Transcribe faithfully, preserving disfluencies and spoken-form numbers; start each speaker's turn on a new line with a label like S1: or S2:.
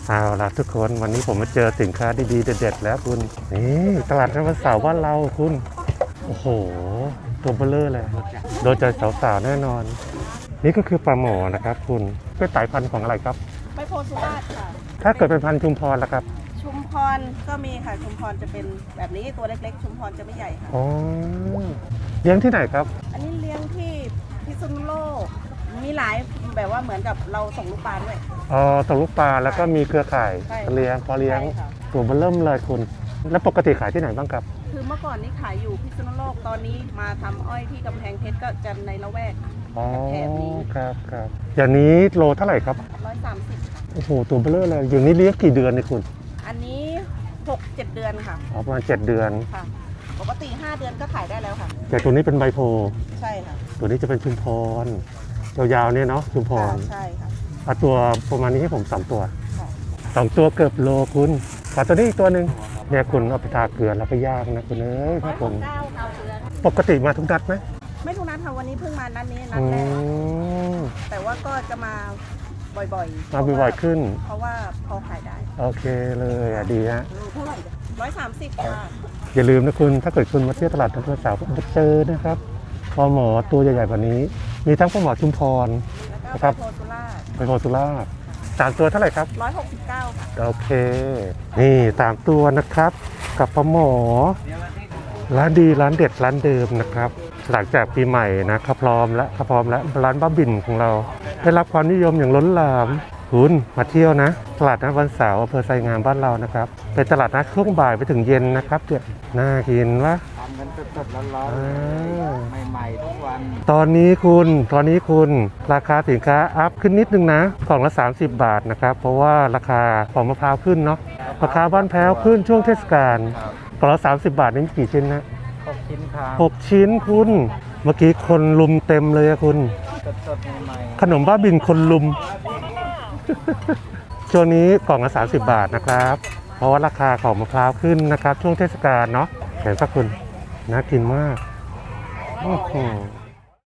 S1: เอาล่ะทุกคนวันนี้ผมมาเจอสินค้าดีๆเด็ดๆแล้วคุณนี่ตลาดนัดวันเสาร์บ้านเราคุณโอ้โหตัวเบลเลอร์เลยโดนใจสาวๆแน่นอนนี่ก็คือปลาหมอนะครับคุณเป็นสายพันธุ์ของอะไรครับ
S2: ใบโพสุราษฎร์ค่ะ
S1: ถ้าเกิดเป็นพันธุ์ชุมพรล่ะครับ
S2: ชุมพรก็มีค่ะชุมพรจะเป็นแบบนี้ตัวเล็กๆชุมพรจะไม่ใหญ่ค่ะ
S1: อ๋อเลี้ยงที่ไหนครับ
S2: อันนี้เลี้ยงที่พิษณุโลกมีหลายแบบว่าเหมือนกับเราส่งลูกปลาด้วย
S1: อ๋อส่งลูกปลาแล้วก็มีเครือข่ายเลี้ยงพอเลี้ยงตัวเบลเริ่มเลยคุณแล้วปกติขายที่ไหนบ้างครับ
S2: คือเมื่อก่อนนี้ขายอยู่พิษณุโลกตอนนี้มาทำอ้อยที่กำแพงเพชรก็จะในละแวกแถบนี้
S1: ครับครับอย่างนี้โลเท่าไหร่ครับ
S2: ร้อยสามสิบค่ะ
S1: โอ้โหตัวเบลเลอร์เลยอย่างนี้เลี้ยงกี่เดือนเนี่ยคุณ
S2: อันนี้หกเจ็ดเดือนค่ะ
S1: อ๋อประมาณเจ็ดเดือน
S2: ค่ะปกติห้าเดือนก็ขายได้แล้วค่ะ
S1: แต่ตัวนี้เป็นใบโพ
S2: ใช่ค่ะ
S1: ตัวนี้จะเป็นชุมพรยาวๆเนี่ยเนาะชุมพร
S2: ใช่ค่ะ
S1: เอาตัวประมาณนี้ให้ผมสองตัวสองตัวเกือบโลคุณขอตัวนี้อีกตัวหนึ่งเนี่ยคุณเอาไปทาเกลือแล้วไปย่างนะคุณเอ้ยครับผมปกติมาทุกนัดไหม
S2: ไม่ทุกนัดค่ะวันนี้เพิ่งมานัดนี้นัดแรกแต่ว่าก็จะมาบ่อยๆ
S1: มาบ่อยๆขึ้น
S2: เพราะว่าพอขายได้
S1: โอเคเลยอ่ะดีฮะ
S2: เท่าไหร่ร้อยสามสิบค่ะ
S1: อย่าลืมนะคุณถ้าเกิดคุณมาเที่ยวตลาดนัดวันเสาร์มาเจอนะครับปลาหมอตัวใหญ่ๆแบบนี้มีทั้งปลาหมอชุมพร
S2: นะครับ
S1: ไปโพสุราษฎร์สามตัวเท่าไหร่ครับ
S2: ร้อยหกสิบเก้าค่ะ
S1: โอเคนี่สามตัวนะครับกับปลาหมอร้านดีร้านเด็ดร้านเดิมนะครับหลังจากปีใหม่นะเขาพร้อมแล้วเขาพร้อมแล้วร้านบ้าบินของเราได้รับความนิยมอย่างล้นหลามคุณมาเที่ยวนะตลาดนัดวันเสาร์อำเภอไซงามบ้านเรานะครับเป็นตลาดนัดช่วงบ่ายไปถึงเย็นนะครับเดี๋ยวน่ากินวะ
S3: ทำกันสดๆร้อนๆใหม่ๆทุกวัน
S1: ตอนนี้คุณตอนนี้คุณราคาสินค้าอัพขึ้นนิดนึงนะกล่องละสามสิบบาทนะครับเพราะว่าราคาของมะพร้าวขึ้นเนาะราคาบ้านแพ้วขึ้นช่วงเทศกาลกล่องละสามสิบบาทนี่มีกี่ชิ้นนะ
S3: หกชิ้นครับ
S1: หกชิ้นคุณเมื่อกี้คนลุมเต็มเลยอะคุณ
S3: สดๆใหม่
S1: ๆขนมบ้าบินคนลุมช่วงนี้กล่องละสามสิบบาทนะครับเพราะว่าราคาของมะพร้าวขึ้นนะครับช่วงเทศกาลเนาะเห็นปะคุณน่ากินมากโอ้โห